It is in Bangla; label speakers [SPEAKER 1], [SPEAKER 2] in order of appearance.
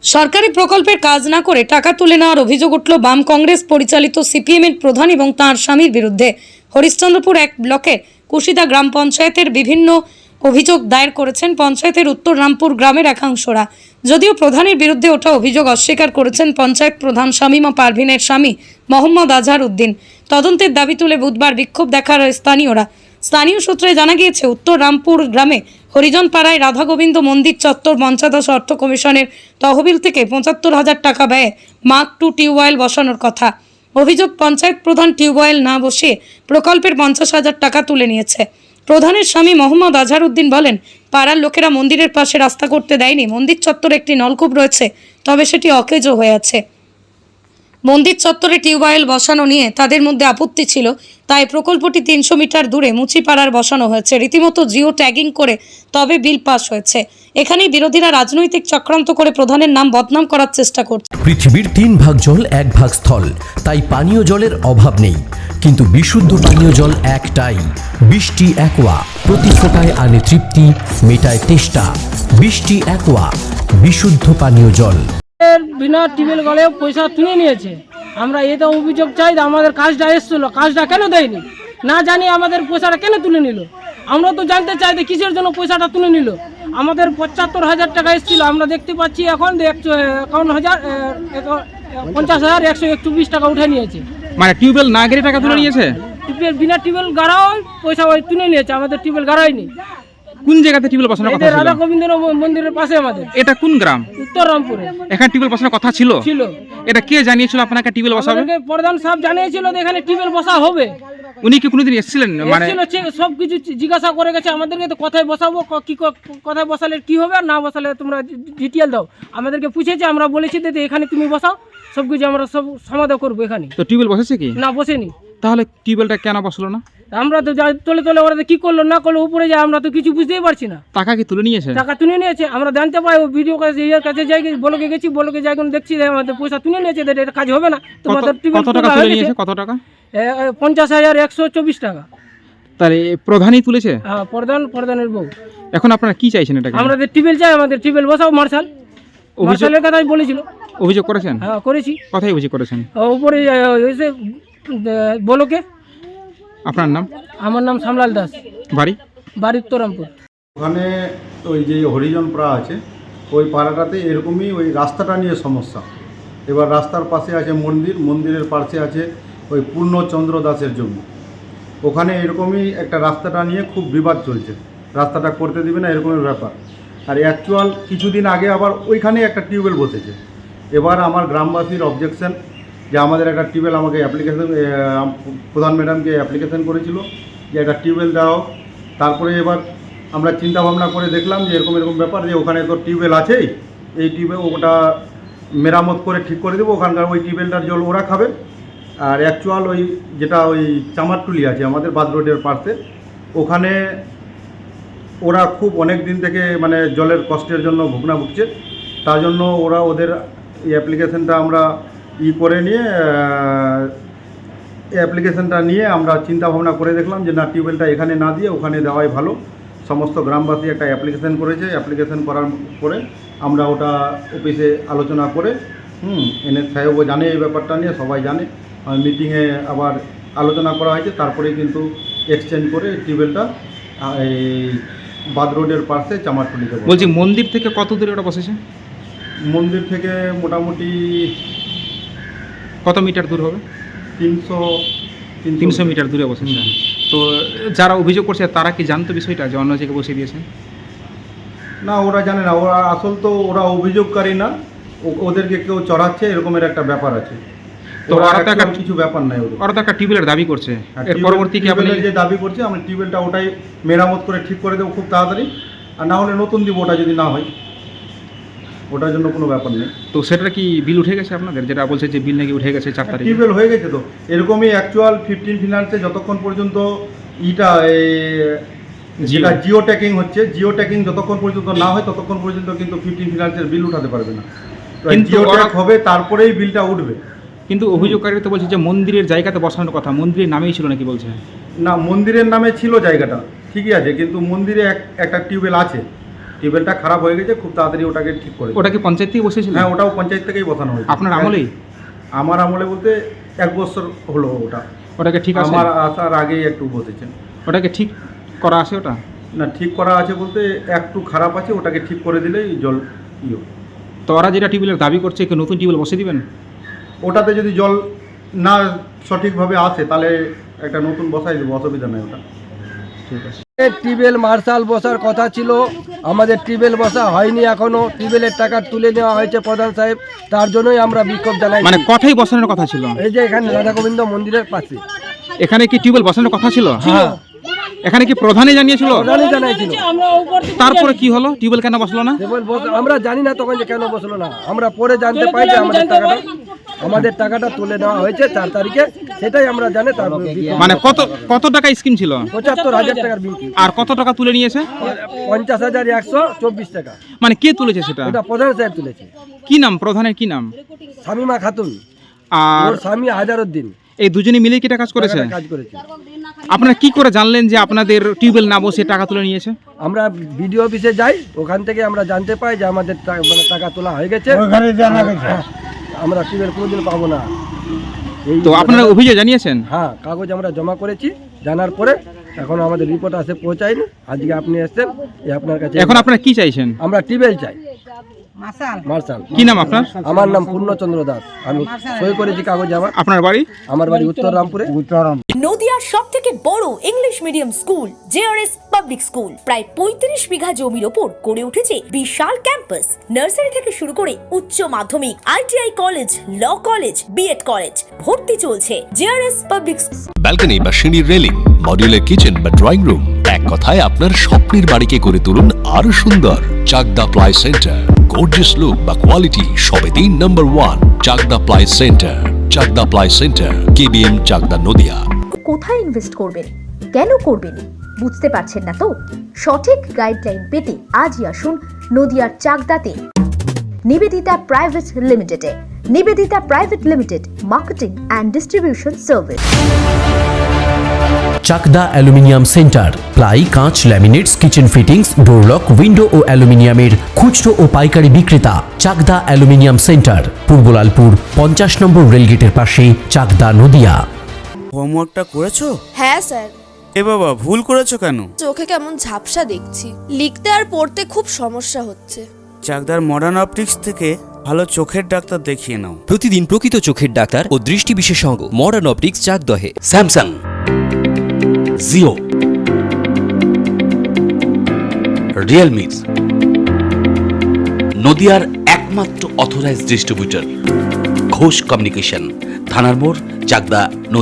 [SPEAKER 1] সরকারি প্রকল্পের কাজ না করে টাকা তুলে নেওয়ার অভিযোগ উঠল বাম কংগ্রেস পরিচালিত সিপিএমের প্রধান এবং তাঁর স্বামীর বিরুদ্ধে। হরিশ্চন্দ্রপুর এক ব্লকের কুশিদা গ্রাম পঞ্চায়েতের বিভিন্ন অভিযোগ দায়ের করেছেন পঞ্চায়েতের উত্তর রামপুর গ্রামের একাংশরা। যদিও প্রধানের বিরুদ্ধে ওঠা অভিযোগ অস্বীকার করেছেন পঞ্চায়েত প্রধান শামীমা পারভিনের স্বামী মোহাম্মদ আজহার উদ্দিন। তদন্তের দাবি তুলে বুধবার বিক্ষোভ দেখার স্থানীয়রা। স্থানীয় সূত্রে জানা গিয়েছে, উত্তর রামপুর গ্রামে হরিজনপাড়ায় রাধা গোবিন্দ মন্দির চত্বর পঞ্চায়েত অর্থ কমিশনের তহবিল থেকে ৭৫,০০০ টাকা ব্যয়ে মার্ক 2 টিউবওয়েল বসানোর কথা। অভিযোগ, পঞ্চায়েত প্রধান টিউবওয়েল না বসিয়ে প্রকল্পের ৫০,০০০ টাকা তুলে নিয়েছে। প্রধানের স্বামী মোহাম্মদ আজহার উদ্দিন বলেন, পাড়ার লোকেরা মন্দিরের পাশে রাস্তা করতে দেয়নি। মন্দির চত্বরে একটি নলকূপ রয়েছে, তবে সেটি অকেজো হয়ে আছে। মন্দির চত্বরে টিউবওয়েল বসানো নিয়ে তাদের মধ্যে আপত্তি ছিল, তাই প্রকল্পটি ৩০০ মিটার দূরে মুচিপাড়ার বসানো হয়েছে। রীতিমতো জিও ট্যাগিং করে তবে বিল পাস হয়েছে। এখানেই বিরোধীরা রাজনৈতিক চক্রান্ত করে প্রধানের নাম বদনাম করার চেষ্টা করছে।
[SPEAKER 2] পৃথিবীর ৩ ভাগ জল ১ ভাগ স্থল, তাই পানীয় জলের অভাব নেই, কিন্তু বিশুদ্ধ পানীয় জল একটাই, বৃষ্টি অ্যাকোয়া। প্রতি ফোঁটায় আনে তৃপ্তি, মেটায় তেষ্টা। বৃষ্টি অ্যাকোয়া, বিশুদ্ধ পানীয় জল।
[SPEAKER 3] বিনা টিউবওয়েল গলেও পয়সা তুলে নিয়েছে। আমরা এটা অভিযোগ চাই, আমাদের কাজটা এসেছিল, কাজটা কেন দেয়নি? না জানি আমাদের পয়সাটা কেন তুলে নিল। আমরা তো জানতে চাই যে কিসের জন্য পয়সাটা তুলে নিল। আমাদের ৭৫,০০০ টাকা এসেছিল, আমরা দেখতে পাচ্ছি এখন ৫০,১২১ টাকা উঠে নিয়েছে।
[SPEAKER 4] মানে টিউবওয়েল না গেলে টাকা তুলে নিয়েছে?
[SPEAKER 3] টিউবওয়েল বিনা টিউবওয়েল গাড়াও পয়সা ওই তুলে নিয়েছে, আমাদের টিউবওয়েল গাড়ায়নি।
[SPEAKER 4] কোন জায়গাতে টিউবওয়েল বসানোর কথা ছিল?
[SPEAKER 3] রাধা গোবিন্দ মন্দিরের পাশে আমাদের।
[SPEAKER 4] এটা কোন গ্রাম?
[SPEAKER 3] উত্তর রামপুরে।
[SPEAKER 4] এখানে টিউবওয়েল বসানোর কথা ছিল? এটা কে জানিয়েছিল আপনাকে টিউবওয়েল বসাবে?
[SPEAKER 3] আমাদেরকে প্রধান সাহেব জানিয়েছিল যে এখানে টিউবওয়েল বসা হবে।
[SPEAKER 4] উনি কি কোনোদিন এসেছিলেন? মানে
[SPEAKER 3] সব কিছু জিজ্ঞাসা করে গেছে আমাদেরকে, তো কোথায় বসাবো, কি কোথায় বসালে কি হবে, আর না বসালে তোমরা ডিটেল দাও। আমাদেরকে পুছেছে, আমরা বলেছি যে এখানে তুমি বসাও, সব কিছু আমরা সব সমাধান করবো এখানে।
[SPEAKER 4] তো টিউবওয়েল বসেছে কি?
[SPEAKER 3] না, বসেনি।
[SPEAKER 4] তাহলে টিউবওয়েলটা কেন বসলো না?
[SPEAKER 3] আমরা তো তলে তলে ওরা কি করলো না করলো উপরে যায়, আমরা তো কিছু বুঝতেই পারছি না।
[SPEAKER 4] টাকা কি তুলে নিয়েছে?
[SPEAKER 3] টাকা তুলে নিয়েছে, আমরা জানতে পাই ও ভিডিও কাছে যাই, বলকে গেছি, বলকে যাই দেখছি আমাদের পয়সা তুলে নিয়েছে, এটা কাজ হবে না। তোমাদের
[SPEAKER 4] কত টাকা তুলে নিয়েছে? কত টাকা?
[SPEAKER 3] ৫০,১২৪ টাকা।
[SPEAKER 4] তাহলে প্রধানই তুলেছে?
[SPEAKER 3] হ্যাঁ, প্রধানের বউ।
[SPEAKER 4] এখন আপনারা কি চাইছেন? এটা
[SPEAKER 3] আমাদের টিউবওয়েল চাই, আমাদের টিউবওয়েল বসাও। মার্শালের কথাই বলেছিল।
[SPEAKER 4] অভিযোগ করেছেন?
[SPEAKER 3] হ্যাঁ, করেছি।
[SPEAKER 4] কথাই অভিযোগ করেছেন?
[SPEAKER 3] উপরে এসে বলকে।
[SPEAKER 4] আপনার নাম?
[SPEAKER 3] আমার নাম শ্যামলাল দাস।
[SPEAKER 4] বাড়ি
[SPEAKER 3] উত্তরামপুর।
[SPEAKER 5] ওখানে ওই যে হরিজন পাড়া আছে, ওই পাড়াটাতে এরকমই ওই রাস্তাটা নিয়ে সমস্যা। এবার রাস্তার পাশে আছে মন্দির, মন্দিরের পাশে আছে ওই পূর্ণচন্দ্র দাসের জমি। ওখানে এরকমই একটা রাস্তাটা নিয়ে খুব বিবাদ চলছে, রাস্তাটা করতে দিবে না এরকমের ব্যাপার। আর অ্যাকচুয়াল কিছুদিন আগে আবার ওইখানে একটা টিউবওয়েল বসেছে। এবার আমার গ্রামবাসীর অবজেকশন যে আমাদের একটা টিউবওয়েল, আমাকে অ্যাপ্লিকেশন, প্রধান ম্যাডামকে অ্যাপ্লিকেশন করেছিল যে একটা টিউবওয়েল দাও। তারপরে এবার আমরা চিন্তা ভাবনা করে দেখলাম যে এরকম ব্যাপার, যে ওখানে তো টিউবওয়েল আছেই, এই টিউবওয়েল ওটা মেরামত করে ঠিক করে দেবো, ওখানকার ওই টিউবওয়েলটার জল ওরা খাবে। আর অ্যাকচুয়াল ওই যেটা ওই চামারটুলি আছে আমাদের বাদ রোডের পাশে, ওখানে ওরা খুব অনেক দিন থেকে মানে জলের কষ্টের জন্য ভুগছে। তার জন্য ওরা ওদের এই অ্যাপ্লিকেশনটা আমরা করে নিয়ে অ্যাপ্লিকেশনটা নিয়ে আমরা চিন্তা ভাবনা করে দেখলাম যে না, টিউবওয়েলটা এখানে না দিয়ে ওখানে দেওয়াই ভালো। সমস্ত গ্রামবাসী একটা অ্যাপ্লিকেশন করেছে, অ্যাপ্লিকেশন করার পরে আমরা ওটা অফিসে আলোচনা করে এনএস সাহেবও জানে এই ব্যাপারটা নিয়ে, সবাই জানে। মিটিংয়ে আবার আলোচনা করা হয়েছে, তারপরে কিন্তু এক্সচেঞ্জ করে টিউবওয়েলটা এই বাদ রোডের পাশে চামারটুলিতে।
[SPEAKER 4] বলছি, মন্দির থেকে কত দূরে ওটা বসেছে?
[SPEAKER 5] মন্দির থেকে মোটামুটি
[SPEAKER 4] কত মিটার দূর হবে?
[SPEAKER 5] ৩০০
[SPEAKER 4] মিটার দূরে বসেছে। তো যারা অভিযোগ করছে তারা কি জানতো বিষয়টা যে অন্য জায়গায় বসিয়ে দিয়েছেন?
[SPEAKER 5] না, ওরা জানে না। ওরা আসল তো ওরা অভিযোগকারী না, ওদেরকে কেউ চড়াচ্ছে এরকমের একটা ব্যাপার আছে।
[SPEAKER 4] তো ওরা তো একটা
[SPEAKER 5] কিছু ব্যাপার নাই,
[SPEAKER 4] ওরা তো একটা টিউবওয়েলের দাবি করছে। এর পরবর্তী কি আপনি
[SPEAKER 5] যে দাবি করছে, আমরা টিউবওয়েলটা ওটাই মেরামত করে ঠিক করে দেবো খুব তাড়াতাড়ি, আর না হলে নতুন দিব ওটা যদি না হয়, ওটার জন্য কোনো ব্যাপার নেই।
[SPEAKER 4] তো সেটা কি বিল উঠে গেছে আপনাদের? যেটা বলছে যে বিল নাকি উঠে গেছে 4 তারিখে।
[SPEAKER 5] টিউবওয়েল হয়ে গেছে তো এরকমই অ্যাকচুয়াল 15 ফিনান্সে যতক্ষণ পর্যন্ত যেটা জিও ট্যাকিং হচ্ছে, জিও ট্যাকিং যতক্ষণ পর্যন্ত না হয় ততক্ষণ পর্যন্ত কিন্তু 15 ফিনান্সের বিল উঠাতে পারবে না। জিও ট্যাক হবে তারপরেই বিলটা উঠবে।
[SPEAKER 4] কিন্তু অভিযোগকারীরা তো বলছে যে মন্দিরের জায়গাতে বসানোর কথা, মন্দিরের নামেই ছিল নাকি বলছে?
[SPEAKER 5] না, মন্দিরের নামে ছিল জায়গাটা ঠিকই আছে, কিন্তু মন্দিরে একটা টিউবওয়েল আছে, টিউবওয়েলটা খারাপ হয়ে গেছে, খুব তাড়াতাড়ি ওটাকে ঠিক করে দিন।
[SPEAKER 4] ওটা কি পঞ্চায়েত থেকে বসেছিল?
[SPEAKER 5] হ্যাঁ, ওটাও পঞ্চায়েত থেকেই বসানো হয়েছে।
[SPEAKER 4] আপনার আমলেই?
[SPEAKER 5] আমার আমলে বলতে 1 বছর হলো ওটা।
[SPEAKER 4] ওটাকে ঠিক আছে?
[SPEAKER 5] আমার আসার আগেই একটু বসেছেন।
[SPEAKER 4] ওটাকে ঠিক করা আছে ওটা?
[SPEAKER 5] না, ঠিক করা আছে বলতে একটু খারাপ আছে, ওটাকে ঠিক করে দিলেই জল ইয়ে।
[SPEAKER 4] তো ওরা যেটা টিউবওয়েলের দাবি করছে কি নতুন টিউবওয়েল বসে দিবেন?
[SPEAKER 5] ওটাতে যদি জল না সঠিকভাবে আসে তাহলে একটা নতুন বসাই দেবো, অসুবিধা নেই ওটা।
[SPEAKER 4] ঠিক আছে।
[SPEAKER 6] টিউবওয়েল মার্শাল বসার কথা ছিল, আমাদের টিউবওয়েল বসা হয়নি এখনো। টিউবওয়েলের টাকা তুলে নেওয়া হয়েছে প্রধান সাহেব, তার জন্যই আমরা বিক্ষোভ জানাই।
[SPEAKER 4] মানে কথাই বসানোর কথা ছিল?
[SPEAKER 6] এই যে এখানে রাধা গোবিন্দ মন্দিরের পাশে।
[SPEAKER 4] এখানে কি টিউবওয়েল বসানোর কথা ছিল?
[SPEAKER 6] হ্যাঁ,
[SPEAKER 4] এখানে কি প্রধানই জানিয়েছিল?
[SPEAKER 6] প্রধানই জানাইছিল।
[SPEAKER 4] তারপরে কি হলো, টিউবওয়েল কেন বসলো না?
[SPEAKER 6] আমরা জানি না তখন যে কেন বসলো না, আমরা পরে জানতে পাই যে আমাদের টাকাটা তুলে নেওয়া হয়েছে 4 তারিখে, সেটাই আমরা জানি। তারপর
[SPEAKER 4] মানে কত টাকা স্কিম ছিল?
[SPEAKER 6] 75,000 টাকার বিল।
[SPEAKER 4] আর কত টাকা তুলে নিয়েছে?
[SPEAKER 6] 50,124 টাকা।
[SPEAKER 4] মানে কে তুলেছে সেটা?
[SPEAKER 6] এটা প্রধান সাহেব তুলেছে।
[SPEAKER 4] কি নাম প্রধানের, কি নাম?
[SPEAKER 6] শামিমা খাতুন,
[SPEAKER 4] আর
[SPEAKER 6] ওর স্বামী হাজারউদ্দিন।
[SPEAKER 4] এই দুজনে মিলে কি এটা কাজ করেছে?
[SPEAKER 6] কাজ করেছে।
[SPEAKER 4] আপনারা কি করে জানলেন যে আপনাদের টিউবওয়েল না বসে টাকা তুলে নিয়েছে?
[SPEAKER 6] আমরা বিডিও অফিসে যাই, ওখান থেকে আমরা জানতে পাই যে আমাদের টাকা তোলা হয়ে গেছে। আমরা টিউবওয়েল কোনোদিন পাবো না।
[SPEAKER 4] তো আপনারা অভিযোগ জানিয়েছেন?
[SPEAKER 6] হ্যাঁ, কাগজ আমরা জমা করেছি, জানার পরে এখন আমাদের রিপোর্ট আসে পৌঁছায়নি। আজকে আপনি এসেছেন, আপনার কাছে
[SPEAKER 4] এখন আপনারা কি চাইছেন?
[SPEAKER 6] আমরা টিউবওয়েল চাই। মার্শাল।
[SPEAKER 4] কি নাম আপনার?
[SPEAKER 6] আমার নাম পূর্ণচন্দ্র দাস, আমি সই করেছি কাগজে।
[SPEAKER 4] আপনার বাড়ি?
[SPEAKER 6] আমার বাড়ি উত্তররামপুরে।
[SPEAKER 7] নদিয়ার সব থেকে বড় English medium school JRS public school, প্রায় 35 বিঘা জমির ওপর গড়ে উঠেছে বিশাল ক্যাম্পাস। নার্সারি থেকে শুরু করে উচ্চ মাধ্যমিক, ITI college, law college, BEd college, ভর্তি চলছে। জেআরএস পাবলিক
[SPEAKER 8] ব্যালকনি বা সিঁড়ির রেলিং, মডিউলার কিচেন বা ড্রয়িং রুম, এক কথায় আপনার স্বপ্নের বাড়িকে করে তুলুন আরো সুন্দর। Chakdah ply centre, gorgeous look বা কোয়ালিটি সবে 3 নম্বর 1 Chakdah ply centre. Chakdah ply centre, KBM, Chakdah, Nadia.
[SPEAKER 9] কোথায় ইনভেস্ট করবেন, কেন করবেন বুঝতে পারছেন না তো? সঠিক গাইডলাইন পেতে আজই আসুন নদিয়ার চাকদাতে নিবেদিতা প্রাইভেট লিমিটেডে। Nivedita private limited, marketing and distribution service.
[SPEAKER 2] Chakdah aluminium centre, ply, কাঁচ, laminates, kitchen fittings, door lock, window ও অ্যালুমিনিয়ামের খুচরো ও পাইকারি বিক্রেতা। Chakdah aluminium centre, Purbalalpur 50 number রেলগেটের পাশে, চাকদা, নদিয়া।
[SPEAKER 10] হোমওয়ার্কটা করেছো?
[SPEAKER 11] হ্যাঁ স্যার।
[SPEAKER 10] এ বাবা, ভুল করেছো কেন?
[SPEAKER 11] চোখে কেমন ঝাপসা দেখছি, লিখতে আর পড়তে খুব সমস্যা হচ্ছে।
[SPEAKER 10] চাকদার মডার্ন অপটিক্স থেকে ভালো চোখের ডাক্তার দেখিয়ে নাও।
[SPEAKER 2] প্রতিদিন প্রকৃত চোখের ডাক্তার ও দৃষ্টি বিশেষজ্ঞ মডার্ন অপটিক্স, চাকদহে।
[SPEAKER 8] স্যামসাং, জিও, রিয়েলমি, নদিয়ার একমাত্র অথরাইজড ডিস্ট্রিবিউটর ঘোষ কমিউনিকেশন, থানার মোড়, চাকদা।